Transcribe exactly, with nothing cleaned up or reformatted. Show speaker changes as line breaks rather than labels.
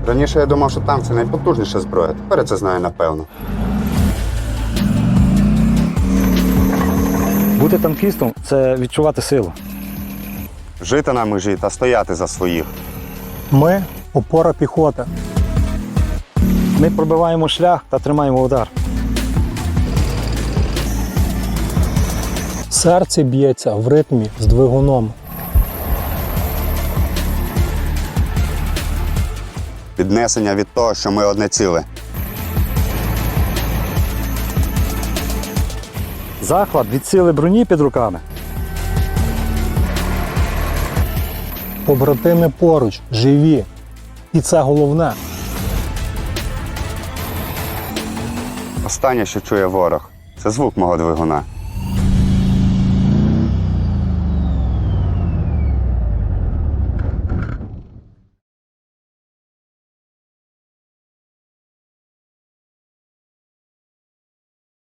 Раніше я думав, що танк – це найпотужніша зброя. Тепер я це знаю напевно.
Бути танкістом – це відчувати силу.
Жити на межі та стояти за своїх.
Ми – опора піхоти.
Ми пробиваємо шлях та тримаємо удар.
Серце б'ється в ритмі з двигуном.
Піднесення від того, що ми одне ціле.
Захват від сили броні під руками.
Побратими поруч, живі. І це головне.
Останнє, що чує ворог – це звук мого двигуна.